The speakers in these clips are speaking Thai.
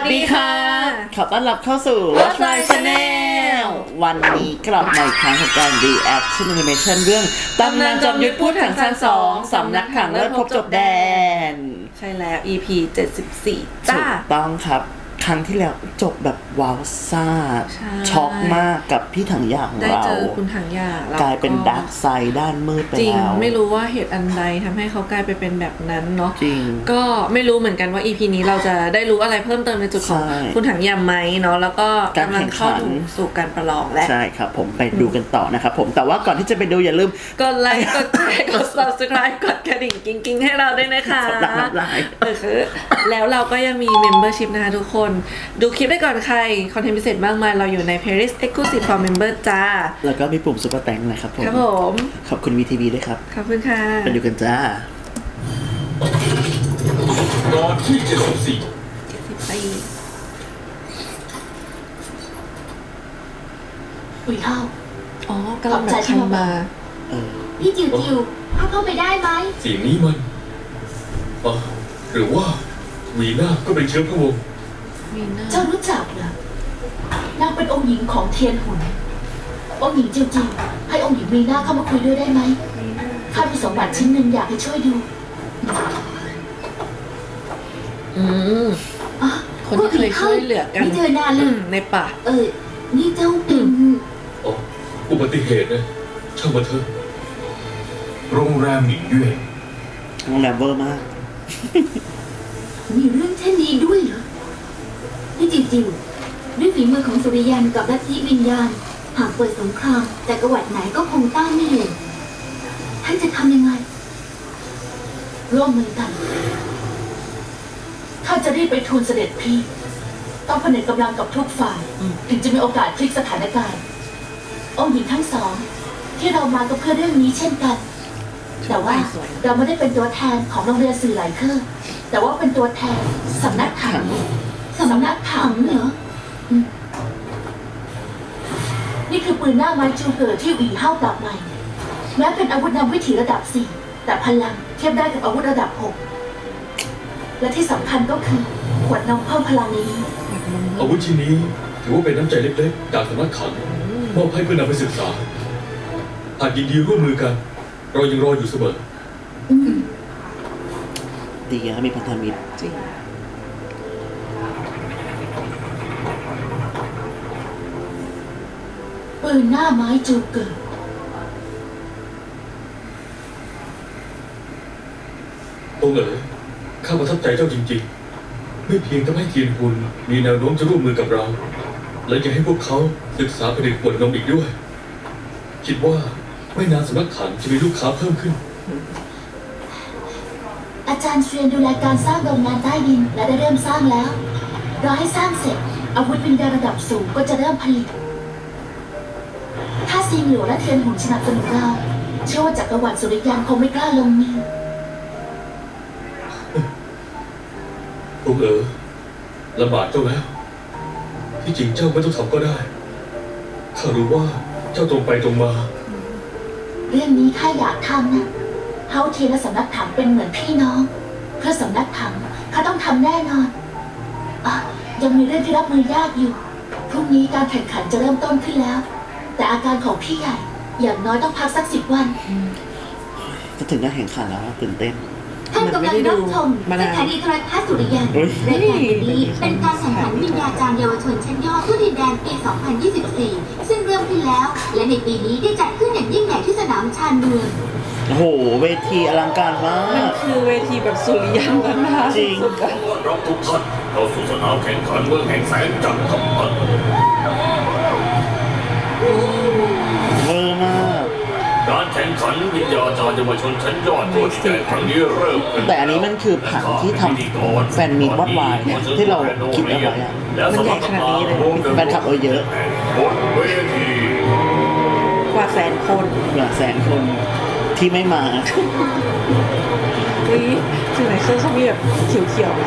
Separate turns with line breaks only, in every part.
วัสดีค่ะขอต้อนรับเข้าสู่ Watch My Channel วันนี้กลับมาอีกครั้งของการ Reaction Animation เรื่องตำนานจอมยุทธพูดถังซาน2สำนักถังเลิศพบจบแดน
ใช่แล้ว EP 74
ถูกต้องครับครั้งที่แล้วจบแบบว้าวซ่าช็อกมากกับพี่ถังยาของเรา
ได้เจอคุณถังยาก
ลายเป็นดาร์กไซด์ด้านมืดไปแล้ว
จริงไม่รู้ว่าเหตุอันใดทำให้เขากลายไปเป็นแบบนั้นเนาะ
จริง
ก็ไม่รู้เหมือนกันว่า EP นี้เราจะได้รู้อะไรเพิ่มเติมในจุดของคุณถังยาไหมเนาะแล้วก็กำลังเข้าสู่การประลองแล้ว
ใช่ครับผมไปดูกันต่อนะครับผมแต่ว่าก่อนที่จะไปดูอย่าลืม
กดไลค์กดแชร์กด Subscribe กดกระดิ่งกิ๊งๆให้เราด้วยนะคะแล้วเราก็ยังมี Membership นะคะทุกคนดูคลิปได้ก่อนใครคอนเทนต์พิเศษมากมายเราอยู่ใน Playlist Exclusive for Member จ้า
แล้วก็มีปุ่ม Super Thanks นะครับผม
ครับผม
ขอบคุณ VTV ด้วยครับ
ขอบคุณค่ะ
ไปดูกันจ้า
ตอนที่74
อุ๋ยเท่า
อ๋อกำลังแบบคันมา
พี่จิวเข้าไปได้ไหม
เสียงนี้มันหรือว่าวีน่าก็เป็นเชื้อพระวงศ์
เจ้ารู้จักเหรอ นางเป็นองค์หญิงของเทียนหุนองค์หญิงจิวให้องค์หญิงวีน่าเข้ามาคุยด้วยได้ไหมข้ามีสมบัติชิ้นหนึ่งอยากให้ช่วยดู
คนที่เคยช่วยเหลือกัน
ไม่เจอนานเลย
ในป่า
นี่เจ้าเป็น
อุบัติเหตุนะช่างมาเถอะโรงแรมหมิงเย่
โรงแรมเวอร์มาก
มีเรื่องเช่นนี้ด้วยเหรอนี่จิวด้วยฝีมือของสุริยันกับลัทธิวิญญาณหากเปิดสงครามแต่จักรวรรดิไหนก็คงต้านไม่อยู่ท่านจะทำยังไงร่วมมือกันข้าจะรีบไปทูลเสด็จพี่ต้องผนึกกำลังกับทุกฝ่ายถึงจะมีโอกาสพลิกสถานการณ์องค์หญิงทั้งสองที่เรามาก็เพื่อเรื่องนี้เช่นกันแต่ว่าเราไม่ได้เป็นตัวแทนของโรงเรียนสื่อหลายเครือแต่ว่าเป็นตัวแทนสำนักถังเหรอนี่คือปืนหน้าไม้จูเกิดที่อีเฮ้าปรับใหม่แม้เป็นอาวุธนำวิถีระดับ4แต่พลังเทียบได้กับอาวุธระดับ6และที่สำคัญก็คือขวดนมเพิ่มพลังนี้
อาวุธชิ้นนี้ถือว่าเป็นน้ำใจเล็กๆจากสำนักถังมอบให้เพื่อนำไปศึกษาหากยินดีร่วมมือกันเรายังรออยู่เสมอ
ดีนะมีพันธมิตร
จริง
ปืนหน้าไม้จูเกิด
องค์ข้าประทับใจเจ้าจริงๆไม่เพียงทำให้เทียนหุนมีแนวโน้มจะร่วมมือกับเราและยังให้พวกเขาศึกษาผลิตขวดนมอีกด้วยคิดว่าไม่นานสำนักถังจะมีลูกค้าเพิ่มขึ้น
อาจารย์เซียนดูแลการสร้างโรงงานใต้ดินและได้เริ่มสร้างแล้วรอให้สร้างเสร็จอาวุธวิญญาณระดับสูงก็จะเริ่มผลิตถ้าซิงหลัวและเทียนหุนสนับสนุนเราเชื่อว่าจักรวรรดิสุริยันคงไม่กล้าลงมือ
องค์ลำบากเจ้าแล้วที่จริงเจ้าไม่ต้องทำก็ได้ข้ารู้ว่าเจ้าตรงไปตรงมา
เรื่องนี้ข้าอยากทำนะเฮาเทียนและสำนักถังเป็นเหมือนพี่น้องเพื่อสำนักถังข้าต้องทำแน่นอนยังมีเรื่องที่รับมือยากอยู่พรุ่งนี้การแข่งขันจะเริ่มต้นขึ้นแล้วแต่อาการของพี่ใหญ่อย่างน้อยต้องพักสัก10 วัน
จะถึงการแข่งขันแล้วตื่นเต้น
ท่านกำลังรับชมสถานีโทรทัศน์สุริยันรายการนี้เป็นการแข่งขันวิญญาจารย์เยาวชนชั้นยอดผู้ดินแดนปี 2024 ซึ่งเริ่มขึ้นแล้วและในปีนี้ได้จัดขึ้นอย่างยิ่งใหญ่ที่สนามชานเมือง
โอ้โหเวทีอลังการมาก
มันคือเวทีแบบสุริยันแล้วนะคะ
จริง
รับทุกท่านเข้าสู่สนามแข่งขันเมืองแห่งแสงจันทร์ครับ
เวอร์มาก
การแข่งขันวิญญาจารย์เยาวชนชั้นยอดตัวที่ใหญ่ครั้งนี้เริ่มขึ้น
แต่อันนี้มันคือผังที่ทำแฟนมีวอดวายเนี่ยที่เราคิดเอาไว้
มันใหญ่ขนาดนี้เลย
แฟนคลับเยอะ
กว่า100,000 คน
ที่ไม่มา
สื่อไหนเครื่องเขามีแบบเขียว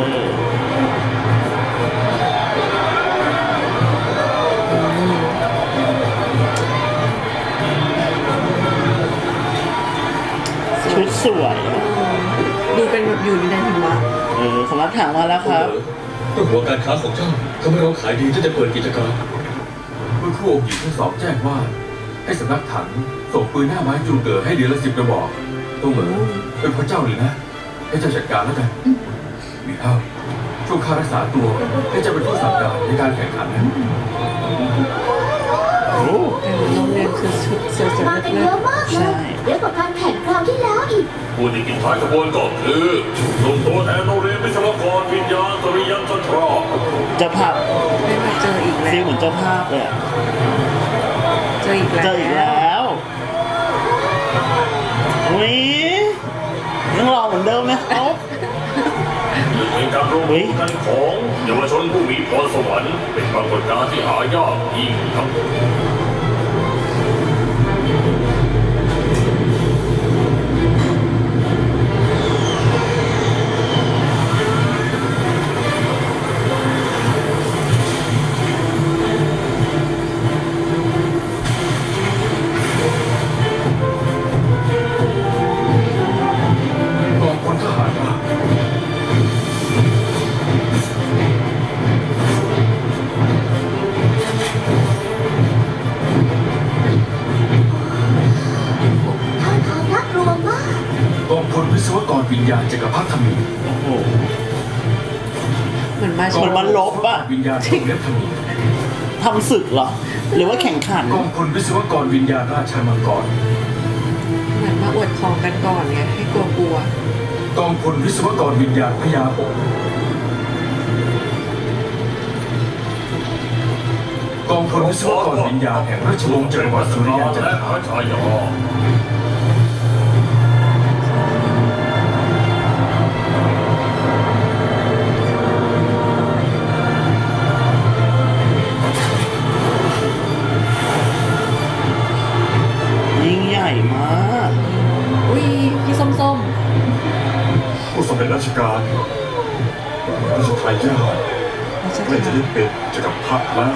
ชุดสวย
ดูเป็นแบบอยู่ในหิมะ
สำนักถังมาแล้วครับ
เพราะหัวการค้าของเจ้าทำให้เราขายดีที่จะเปิดกิจการ
เมื่อครู่องค์หญิงทั้งสองแจ้งว่า ให้สำนักถังส่งปืนหน้าไม้จูเก๋อให้เดือนละ10 กระบอกตัวเหมือเป็นพระเจ้าเลยนะ ให้เจ้าจัดการแล้วกันมีเท่าช่วงค่ารักษาตัวให้เจ้าเป็นผู้สั่งการในการแข่งขันนะ
โอ้
โรงเรียนคือชุดสวยๆ
มากัน
เลิ
เย
ศ
อะมากเลยเยอะกว่าการแข่งคราวที่แล้วอีก
ผู้ที่กินท้ายขบวนก็คือส่งตัวแทนโรงเรียนวิศวกรวิญญาณสุริยันจันทรา
เจ้าภาพ
ๆได้มาเจออีกแล้
ฟีล
ว
เหมือนเจ้าภาพเลยอะ
เจออีกแล้ว
เจออีกแล้วอุ้ยยังรอเหมือนเดิมไหมเขา
หนึ่งในการรวมตัวกันของเยาวชนผู้มีพรสวรรค์เป็นปรากฏการณ์ที่หายากยิ่งนัก
กองพลทหารมา
ท่าทางน่ากลัวมาก
กองพลวิศวกรวิญญาณจักรพรรดิธมิน
โอ้โห
เหมือนมา
เหมือนมันลบอะ
วิญญาณทรงเล็บธมิน
ทำศึกเหรอ หรือว่าแข่งขัน
กองพลวิศวกรวิญญาณราชมังกร
เหมือนมาอวดของกันก่อนไงให้กลัว
กองพลวิศวกรวิญญาณพญาองค์กองพลวิศวกรวิญญาณแห่งราชวงศ์จักรวรรดิสุริยันจัน
และ
ท
หา
รา
ชายา
ยิ่งใหญ่มาก
ๆอุ้ยพี่ส้ม
ผู้สำเร็จราชการราชทายาท
ๆเราจะ
ไม่จะได้เป็นจักรพรรดิแล้ว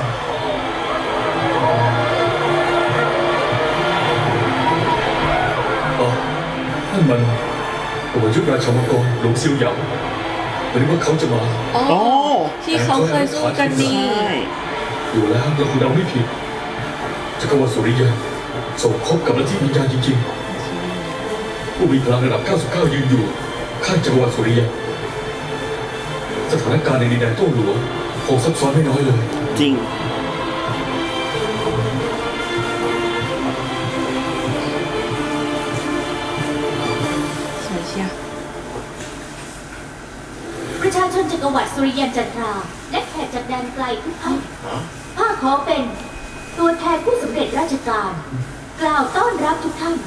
อ๋อนั่นมันหัวยุทธราชมังกรหลวงซิวหยางหรือว่าเขาจะมา
อ๋อ
โอ้
ที่เขาเคยสู้กันนี่
ใช่
อยู่แล้วเราคุณเอาไม่ผิดจักรวรรดิสุริยันสมคบกับลัทธิวิญญาณจริงๆผู้มีพลังระดับ 99 ยืนอยู่ข้างจักรวรรดิสุริยันสถานการณ์ในดินแดนโต้หลวงคงซับซ้อนไม่น้อยเลย
จริง
สวยเชียร์
ประชาชนจักรวรรดิสุริยันจันทราและแขกจากแดนไกลทุกท่านข้าขอเป็นตัวแทนผู้สำเร็จราชการ กล่าวต้อนรับทุกท่าน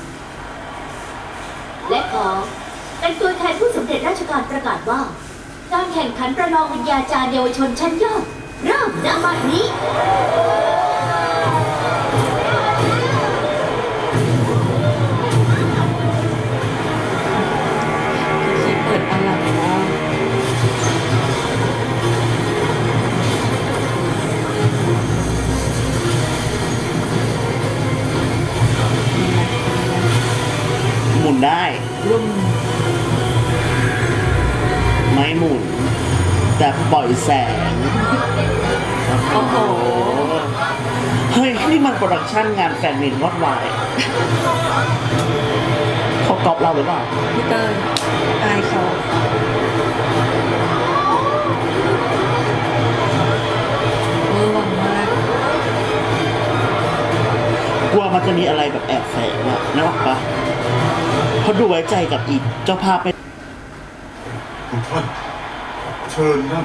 และขอเป็นตัวแทนผู้สำเร็จราชการประกาศว่า การแข่งขันประลองวิญญาจารย์เยาวชนชั้นยอดเริ่มณบัดนี้
ที่เปิดอลังมาก
หมุนได้
รุ่ม
ไม่หมุน แต่ปล่อยแสง
โอ้โห
เฮ้ย นี่มันโปรดักชั่นงานแฟนมินวอดวายเขาก๊อปเราหรือเปล่า
พี่เตยอายเขาเวอร์วังมาก
กลัวมันจะมีอะไรแบบแอบแฝงอะนึกออกปะเขาดูไว้ใจกับอีกเจ้าภาพไป
ทุกท่านเชิญนั่น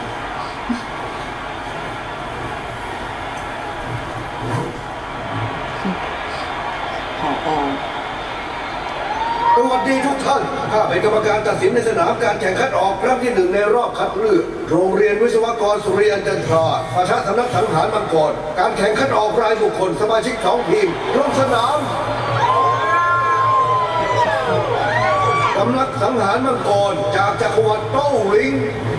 ผอ
สวัสดีทุกท่าน ข้าเป็นกรรมการตัดสินในสนามการแข่งขันออกครั้งที่ 1ในรอบคัดเลือกโรงเรียนวิศวกรสุริยันจันทราปะทะสำนักสังหารมังกร การแข่งขันออกรายบุคคลสมาชิก2ทีมลงสนามสำนักสังหารมังกรจากจักรวรรดิโต้หลิง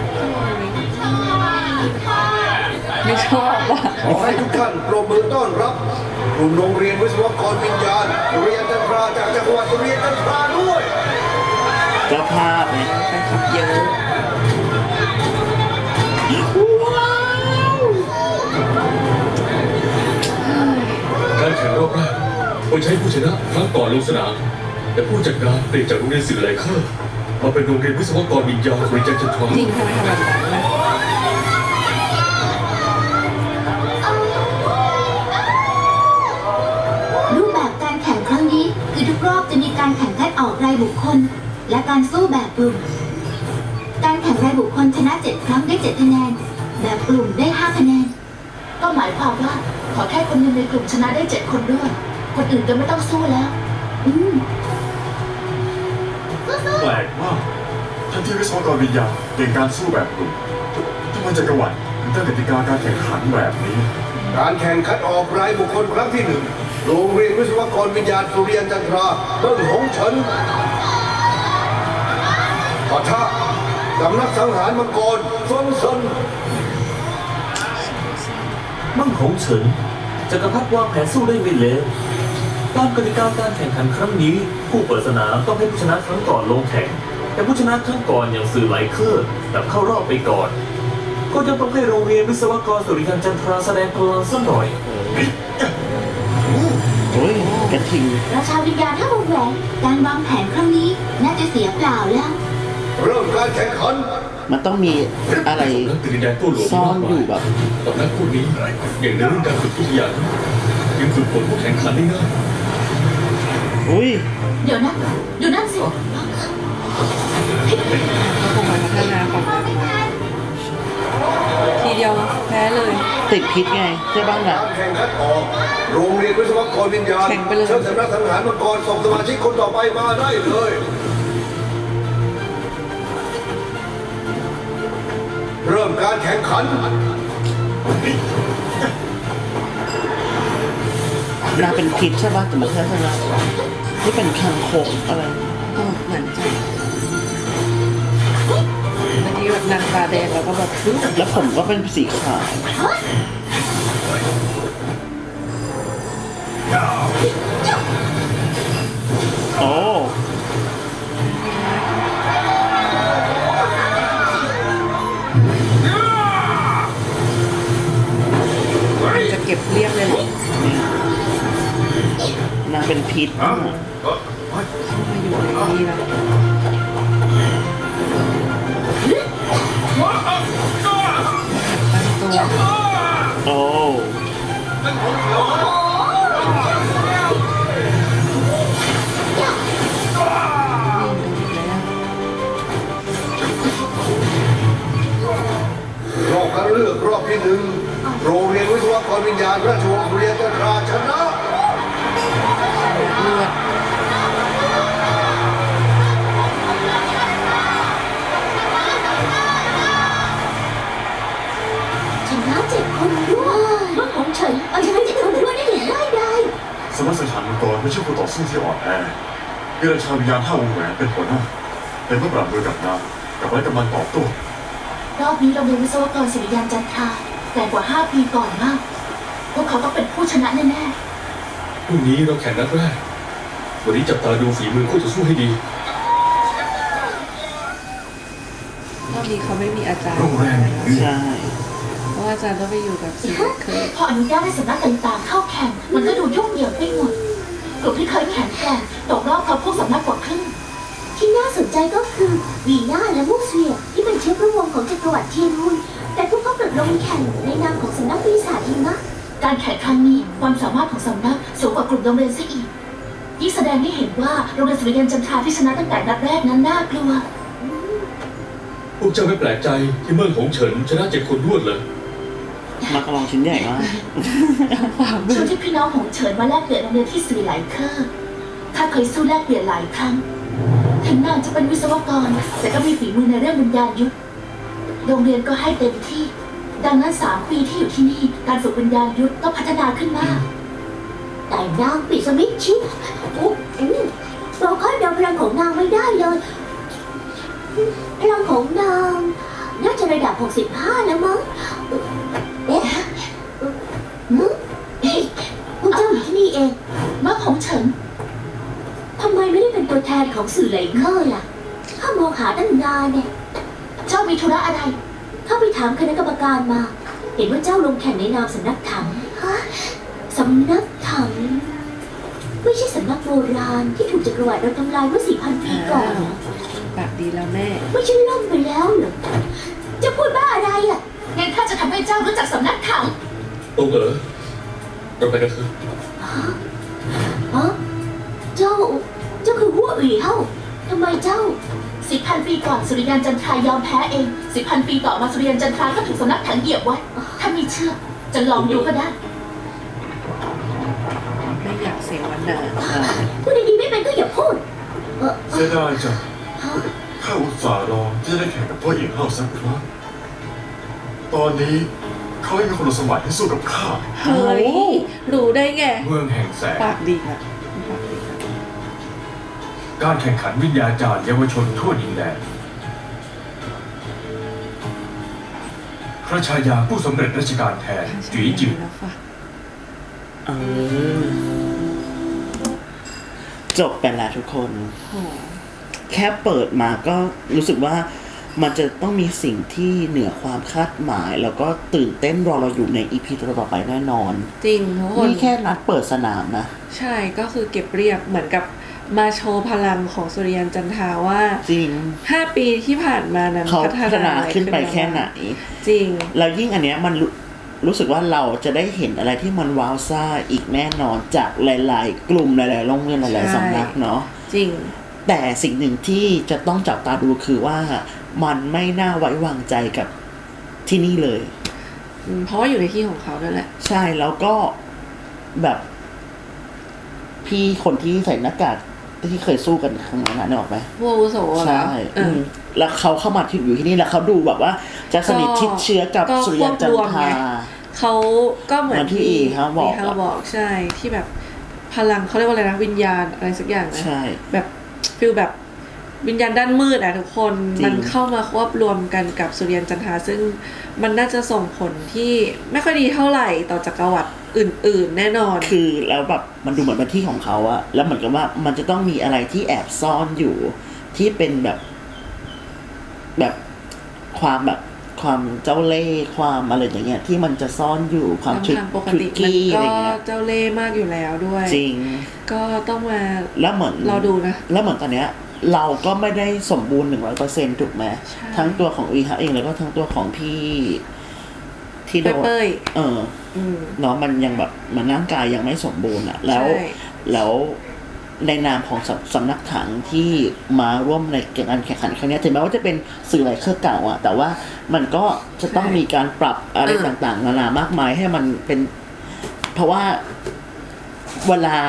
ไม่ชอบว่ะ
ขอให้ทุกท่านปรบมือต้อนรับกลุ่มโรงเรียนวิศวกรวิญญาณสุริยันจันทราจากจักรวรรดิสุริยันจันทราด้วย
เจ้าภาพเนี่ย
แฟนคลับเยอะ
ข่งรอบแรกควรใช้ผู้ชนะครั้งก่อนลงสนามแต่ผู้จัดการเปลี่ยนจากโรงเรียนสื่อไลเคอร์มาเป็นโรงเรียนวิศวกรวิญญาณบริจาคจันทรา
จริงทำไมทำแบบนั้นนะ
รูปแบบการแข่งครั้งนี้คือทุกรอบจะมีการแข่งคัดออกรายบุคคล และการสู้แบบกลุ่ม การแข่งรายบุคคลชนะ 7 ครั้งได้ 7 คะแนน แบบกลุ่มได้ 5 คะแนน
ก็หมายความว่าขอแค่คนหนึ่งในกลุ่มชนะได้ 7 คนด้วย คนอื่นก็ไม่ต้องสู้แล้ว
แปลกมากทั้งที่วิศวกรวิญญาณเก่งการสู้แบบกลุ่มทำไมจักรวรรดิถึงตั้งกติกาการแข่งขันแบบนี้
การแข่งคัดออกรายบุคคลครั้งที่หนึ่งโรงเรียนวิศวกรวิญญาณสุริยันจันทราเบิ้งหงเฉินปะทะสำนักสังหารมังกรซนซน
มั่งของเฉินจักรพรรดิวางแผนสู้ได้ไม่เลวตามกติกาการแข่งขันครั้งนี้ ผู้เปิดสนามต้องให้ผู้ชนะครั้งก่อนลงแข่ง แต่ผู้ชนะครั้งก่อนอย่างสื่อไลเคอร์กลับเข้ารอบไปก่อน ก็ยังต้องให้โรงเรียนวิศวกรสุริยันจันทราแสดงพลังสักหน่อย
โอ้ยกระทิง
ราชาวิญญาณห้าวงแหวนการวางแผนครั้งนี้น่าจะเสียเปล่าแล้ว
เริ่มการแข่งขัน
มันต้องมีอะไร
นักดินแดนตัวหลวง
ซ่อนอยู่แบบ
ตอนนั้นพวกนี้อย่างในเรื่องการฝึกวิทยายังฝึกฝนผู้แข่งขันได้ง่าย
อุ้ย
เดี๋ยวนะดูนั่นสิ
ก็คงมาพัฒนาฝั่งทีเดียวแพ้เลย
ติดพิษไงใช่บ้างล่ะ
การแข่งขันออก โรงเรียนวิศวกรวิญญาณ
แข่งไปเลย
เชิญสำนักสังหารมังกรส่งสมาชิกคนต่อไปมาได้เลย เริ่มการแข่งขัน
นางเป็นพิษใช่ป่ะแต่ไม่ใช่ใช่ไหมที่เป็นคางคกอะไร
เหมือนจะเมื่อกี้แบบนางตาแดงแล้วก็แบบปึ๊บ
แล้วผมก็เป็นสีขาวโอ้
จะเก็บเรียบเลยแหละ
นางเป็นพิษ
มาอยู่ในนี้แล้วตั้งตัว
โอ้
รอบคัดเลือกรอบที่หนึ่งโรงเรียนวิศวกรวิญญาณราชวงศ์สุริยันจันทราชนะ
เลือด
ชนะ7 คนด้วยเมื่อของเฉินเอาชนะ7 คนด้วยได้อย่างง่ายดาย
สำนักสังหารมังกรไม่ใช่คู่ต่อสู้ที่อ่อนแอมีราชาวิญญาณห้าวงแหวนเป็นหัวหน้าเป็นผู้ปราบมือกับนางกับไว้กำลังตอบโต้
รอบนี้โรงเรียนวิศวกรศิริยานจันทราแต่กว่า 5 ปีก่อนมาก พวกเขาต้องเป็นผู้ชนะแน่
พรุ่งนี้เราแข่งนัดแรก วันนี้จับตาดูฝีมือคู่ต่อสู้ให้ดี
รอบนี้เขาไม่มีอาจารย์
โรงแรม
ใช่
เพราะว่าอาจารย์ต้องไปอยู่กับสีเคย
ๆพออนุญาตให้สำนักต่างๆเข้าแข่ง มันก็ดูยุ่งเหยิงไปหมด กลุ่มที่เคยแข่งแกร่งตกรอบเขาพวกสำนักกว่าครึ่ง
ที่น่าสนใจก็คือวีน่าและมูเซียที่เป็นเชื้อพระวงศ์ของจักรวรรดิเทียนฮุนแต่พวกเขากลับลงแข่งในนามของสำนักปีศาจหิมะ
การแข่งครั้งนี้ความสามารถของสำนักสูงกว่ากลุ่มโรงเรียนซะอีก ยิ่งแสดงให้เห็นว่าโรงเรียนสุริยันจันทราที่ชนะตั้งแต่นัดแรกนั้นน่ากลัว
พวกเจ้าไม่แปลกใจที่เมืองของเฉินชนะ7 คนรวดเลย
มากระลองชิ้นใหญ่มาก
ช่วงที่พี่น้องของเฉินมาแลกเปลี่ยนโรงเรียนที่สื่อหลายเคอร์ข้าเคยสู้แลกเปลี่ยนหลายครั้ง ถึงนางจะเป็นวิศวกร แต่ก็มีฝีมือในเรื่องวิญญาณยุทธโรงเรียนก็ให้เต็มที่ ดังนั้น 3 ปีที่อยู่ที่นี่ การฝึกวิญญาณยุทธก็พัฒนาขึ้นมาก
แต่นางปิดสมิธชิปเราคาดเดาพลังของนางไม่ได้เลยพลังของนางน่าจะระดับ 65 แล้วมั้งเอ๊ะพวกเจ้าอยู่ที่นี่เอง
เมื่อของเฉิน
ทำไมไม่ได้เป็นตัวแทนของสื่อไลเคอร์ล่ะข้ามองหาตั้งนานเนี่ย
เจ้ามีธุระอะไร
เข้าไปถามคณะกรรมการมา เห็นว่าเจ้าลงแข่งในนามสำนักถังฮะสำนักถัถังไม่ใช่สำนักโบราณที่ถูกจักรวรรดิเราทำลายเมื่อ 4,000 ปีก่อนเหรอ
ปากดีแล้วแม่
ไม่ใช่ล่มไปแล้วเหรอจะพูดบ้าอะไรอ่ะ
งั้นข้าจะทำให้เจ้ารู้จักสำนักถัง
ตรงเราไปกันเถอะ
ฮะเจ้าคือหัวủyเฮาทำไมเจ้า
10,000 ปีก่อนสุริยันจันทรายอมแพ้เอง 10,000 ปีต่อมาสุริยันจันทราก็ถูกสำนักถังเหยียบไว้ ถ้าไม่เชื่อจะลองดูก็ได้
ไม่อยากเสียวันนา
พูดดีๆไม่เป็นก็อย่าพูด
เสียดายจังข้าอุตส่าห์รอที่จะได้แข่งกับพ่อหญิงเฮาสักครั้งตอนนี้เขาให้มีคนสมัยที่สู้กับข้า
เฮ้ยรู้ได้ไง
เมืองแห่งแสง
ปากดีนะปากดีนะ
การแข่งขันวิญญาจารย์เยาวชนทั่วดินแดนพระชายาผู้สำเร็จราชการแทนจุ๋ยจิ๋ว
แล้วฝาก
เออจบไปแล้วทุกคน
โอ้
แค่เปิดมาก็รู้สึกว่ามันจะต้องมีสิ่งที่เหนือความคาดหมาย แล้วก็ตื่นเต้นรอเราอยู่ในอีพีต่อไปแน่นอน
จริงทุกคน
นี่แค่นัดเปิดสนามนะ
ใช่ก็คือเก็บเรียบเหมือนกับมาโชว์พลังของสุริยันจันทราว่า
จริง
5 ปีที่ผ่านมานั้น
เขาพัฒนา
อะไร
ขึ้นไปแค่ไหน
จริง
แล้วยิ่งอันเนี้ยมันรู้สึกว่าเราจะได้เห็นอะไรที่มันว้าวซ่าอีกแน่นอนจากหลายๆ กลุ่มหลายๆโรงเรียนหลายๆสำนักเนาะ
จริง
แต่สิ่งหนึ่งที่จะต้องจับตาดูคือว่ามันไม่น่าไว้วางใจกับที่นี่เลย
เพราะว่าอยู่ในที่ของเขาด้วยแหละ
ใช่แล้วก็แบบพี่คนที่ใส่หน้ากากที่เคยสู้กันครั้งนั้นนึกออกไหม
พวกอาวุโสเหรอ
ใช่
เออ
แล้วเขาเข้ามาที่อยู่ที่นี่แล้วเขาดูแบบว่าจะสนิทชิดเชื้อกับ
ก็
สุริยันจันทรา
เขาก็เหมือน
เหมือนที่อีเขาบอก
เขาบอกใช่ที่แบบพลังเขาเรียกว่าอะไรนะวิญญาณอะไรสักอย่างนะ
ใช่
แบบฟิลแบบวิญญาณด้านมืดอะทุกคน
จริง
มันเข้ามาควบรวมกันกับสุริยันจันทราซึ่งมันน่าจะส่งผลที่ไม่ค่อยดีเท่าไหร่ต่อจักรวรรดิอื่นๆ แน่นอน
คือแล้วแบบมันดูเหมือนเป็นที่ของเขาอะแล้วเหมือนกับว่ามันจะต้องมีอะไรที่แอบซ่อนอยู่ ที่เป็นแบบความเจ้าเล่ห์ความอะไรอย่างเงี้ยที่มันจะซ่อนอยู่ความ
ทางปกติมัน
กี้อะ
ก็
ไรเงี้ย
เจ้าเล่ห์มากอยู่แล้วด้วย
จริง
ก็ต้องมา
แล้วเหมือน
รอดูนะ
แล้วเหมือนตอนเนี้ยเราก็ไม่ได้สมบูรณ์ 100% ถูกไหม
ใช่
ทั้งตัวของอีฮะเองแล้วก็ทั้งตัวของพี่ที่โดน
เป้ย
เนาะมันยังแบบมันร่างกายยังไม่สมบูรณ์อะแล้ว
ใช่
แล้วในนามของสำนักถังที่มาร่วมในการแข่งขันครั้งนี้ถึงแม้ว่าจะเป็นสื่อหลายเครือเก่าอะแต่ว่ามันก็จะต้องมีการปรับอะไรต่างๆนานามากมายให้มันเป็น เพราะว่าเวลา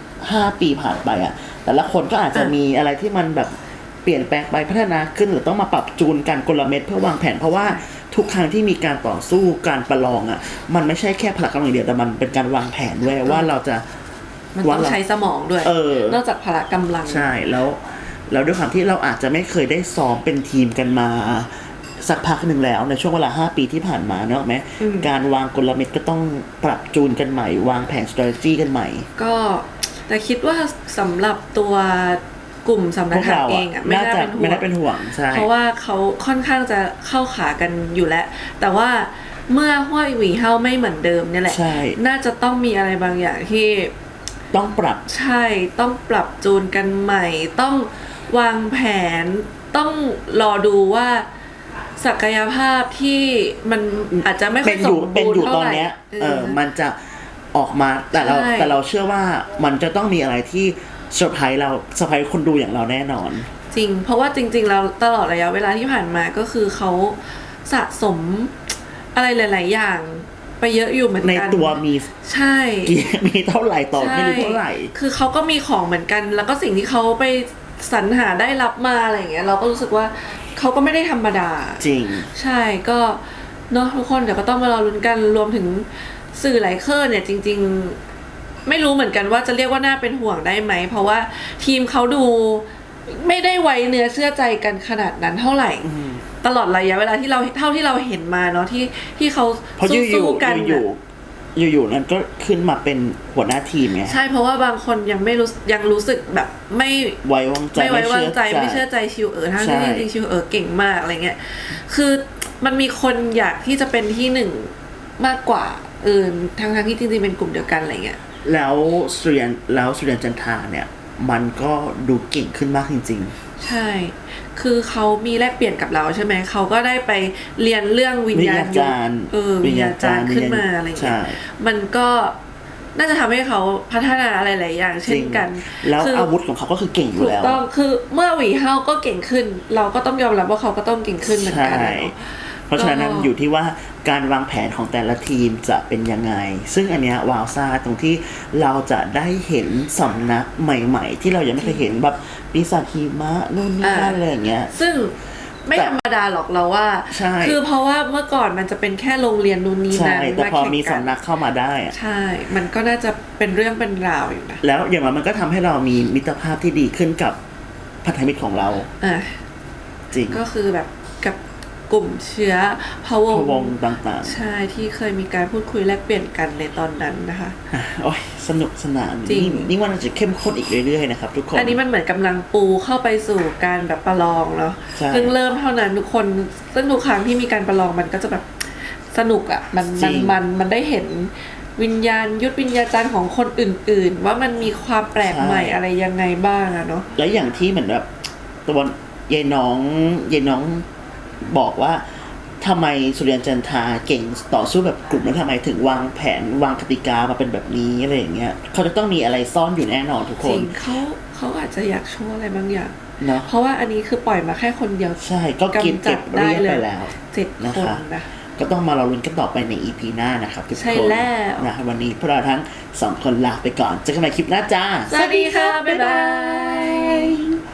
5 ปีผ่านไปอะแต่ละคนก็อาจจะมีอะไรที่มันแบบเปลี่ยนแปลงไปพัฒนาขึ้นหรือต้องมาปรับจูนกันกลเม็ดเพื่อวางแผนเพราะว่าทุกครั้งที่มีการต่อสู้การประลองอ่ะมันไม่ใช่แค่พละกำลังเดียวแต่มันเป็นการวางแผนด้วยว่าเราจะ
มันต้องใช้สมองด้วย นอกจากพละกำลัง
ใช่แล้วด้วยความที่เราอาจจะไม่เคยได้ซ้อมเป็นทีมกันมาสักพักหนึ่งแล้วในช่วงเวลา5 ปีที่ผ่านมาเนอะไหมการวางกลเม็ดก็ต้องปรับจูนกันใหม่วางแผน strategy กันใหม่
ก็แต่คิดว่าสำหรับตัวกลุ่มสำนัก
พวก
ถัง
เรา
เอ
อะ
งอ่ะไม่น่าเป็นห่วง
ใช่
เพราะว่าเขาค่อนข้างจะเข้าขากันอยู่แล้ว แต่ว่าเมื่อห้วยหวีเฮาไม่เหมือนเดิมเนี่ยแหละ
ใช่
น่าจะต้องมีอะไรบางอย่างที่
ต้องปรับ
ใช่ต้องปรับจูนกันใหม่ ต้องวางแผนต้องรอดูว่าศักยภาพที่มันอาจจะไม่ค่อยสม
เป็น
บูร
อยู่
ณ์เท่า
ตอน
ไหร่
เนี้ยมันจะออกมาแต่เรา
ใช่
แต่เราเชื่อว่ามันจะต้องมีอะไรที่เซอร์ไพรส์คนดูอย่างเราแน่นอน
จริงเพราะว่าจริงๆแล้วตลอดระยะเวลาที่ผ่านมาก็คือเขาสะสมอะไรหลายๆอย่างไปเยอะอยู่เหมือน
ใน
กัน
ตัวมี
ใช่
มีเท่าไหร่ต่อไม่รู้เท่าไหร่
คือเขาก็มีของเหมือนกัน แล้วก็สิ่งที่เขาไปสรรหาได้รับมาอะไรอย่างเงี้ยเราก็รู้สึกว่าเขาก็ไม่ได้ธรรมดา
จริง
ใช่ก็เนาะทุกคนเดี๋ยวก็ต้องมารอลุ้นกันรวมถึงสื่อหลายเครือเนี่ยจริงๆไม่รู้เหมือนกันว่าจะเรียกว่าน่าเป็นห่วงได้ไหมเพราะว่าทีมเขาดูไม่ได้ไว้เนื้อเชื่อใจกันขนาดนั้นเท่าไหร่ตลอดระยะเวลาที่เราเท่าที่เราเห็นมาเนาะที่เขา
เพราะ
สู้กัน
อยู่นั้นก็ขึ้นมาเป็นหัวหน้าทีมไง
ใช่เพราะว่าบางคนยังรู้สึกแบบไม่
ไว้วางใจ
ไม่ไว้วางใจไม่เชื่อใจชิวทั้งที่จริงๆชิวเก่งมากอะไรเงี้ยคือมันมีคนอยากที่จะเป็นที่หนึ่งมากกว่าทั้งที่จริงๆเป็นกลุ่มเดียวกันอะไรเงี้ย
แล้วสุริยันจันทราเนี่ยมันก็ดูเก่งขึ้นมากจริง
ใช่ คือเขามีแลกเปลี่ยนกับเราใช่ไหม เขาก็ได้ไปเรียนเรื่องวิญญาณยุทธวิญญาจารย์ขึ้นมาอะไรอย่างเงี้ยมันก็น่าจะทำให้เขาพัฒนาอะไรหลายอย่างเช่นกัน
แล้วอาวุธของเขาก็คือเก่งอยู่แล้ว
ถูกต้องคือเมื่อหวีเฮาก็เก่งขึ้น เราก็ต้องยอมรับว่าเขาก็ต้องเก่งขึ้นเหมือนกัน
เพราะฉะนั้นอยู่ที่ว่าการวางแผนของแต่ละทีมจะเป็นยังไงซึ่งอันเนี้ยวาวซ่าตรงที่เราจะได้เห็นสำนักใหม่ๆที่เรายังไม่เคยเห็นแบบปีศาจหิมะนู่นนี่นั่นอะไรอย่างเงี้ย
ซึ่งไม่ธรรมดาหรอกเราว่าคือเพราะว่าเมื่อก่อนมันจะเป็นแค่โรงเรียนนู่นนี่นั่น
แต่พอมีสำนักเข้ามาได้
ใช่มันก็น่าจะเป็นเรื่องเป็นราวอยู่นะ
แล้วอย่างมันก็ทำให้เรามีมิตรภาพที่ดีขึ้นกับพันธมิตรของเราจริง
ก็คือแบบกับกลุ่มเชื้อพะวง
ต่าง
ๆใช่ที่เคยมีการพูดคุยแลกเปลี่ยนกันในตอนนั้นนะคะ
โอ้ยสนุกสนานนี่ว่ามันจะเข้มข้นอีกเรื่อยๆนะครับทุกคน
อันนี้มันเหมือนกำลังปูเข้าไปสู่การแบบประลองเนาะเพิ่งเริ่มเท่านั้นทุกคนซึ่งทุกครั้งที่มีการประลองมันก็จะแบบสนุกอ่ะมันได้เห็นวิญญาณยุทธวิญญาจารย์ของคนอื่นๆว่ามันมีความแปลกใหม่อะไรยังไงบ้างอะเนาะ
และอย่างที่เหมือนแบบตัวยายน้องบอกว่าทำไมสุริยันจันทราเก่งต่อสู้แบบกลุ่มแล้วทำไมถึงวางแผนวางกติกามาเป็นแบบนี้อะไรอย่างเงี้ยเขาจะต้องมีอะไรซ่อนอยู่แน่นอนทุกคน
จริงเขาอาจจะอยากโชว์อะไรบางอย่างเนาะเพราะว่าอันนี้คือปล่อยมาแค่คนเดียว
ใช่ก็เก็บได้ไปแล้ว
7 คนนะ
ก็ต้องมารอลุ้นกันต่อไปใน EP หน้านะครับทุกคน
ใช่แล้ว
นะวันนี้พวกเราทั้ง2คนลาไปก่อนเจอกันใหม่คลิปหน้าจ้า
สวัสดีค่ะบ๊ายบาย